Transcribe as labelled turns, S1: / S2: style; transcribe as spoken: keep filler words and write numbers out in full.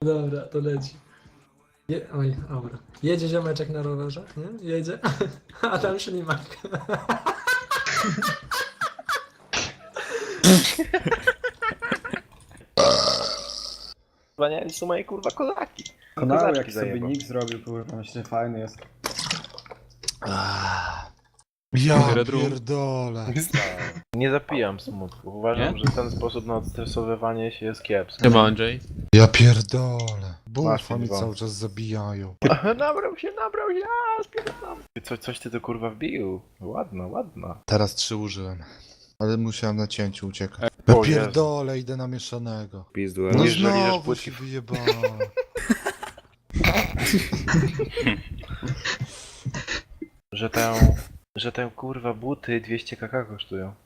S1: Dobra, to leci. Je... Oj, dobra. Jedzie ziomeczek na rowerze, nie? Jedzie. A tam ślimak.
S2: Zwaniali są moje kurwa kozaki.
S3: Kanał
S2: Kozaczki
S3: jak sobie
S2: zajebał.
S3: nick zrobił, kurwa, myślę, fajny jest.
S4: Ja
S5: Redrum.
S4: pierdolę.
S2: Nie zapijam smutku. Uważam,
S5: Nie?
S2: że ten sposób na odstresowywanie się jest kiepski.
S5: Siema Andrzej.
S4: Ja pierdolę. Bufa mi
S2: dwa.
S4: cały czas zabijają.
S2: Nabrał się, nabrał się, a spierdalam. Co, coś ty to kurwa wbił. Ładna, ładna.
S4: Teraz trzy użyłem. Ale musiałem na cięciu uciekać.
S2: O
S4: Ja
S2: Jezu.
S4: pierdolę, idę na mieszanego.
S2: Pizdu,
S4: No
S2: mówisz, że liżesz
S4: znowu
S2: płytki.
S4: się wyjebałem.
S2: Że tę, że tę kurwa buty dwieście kaka kosztują.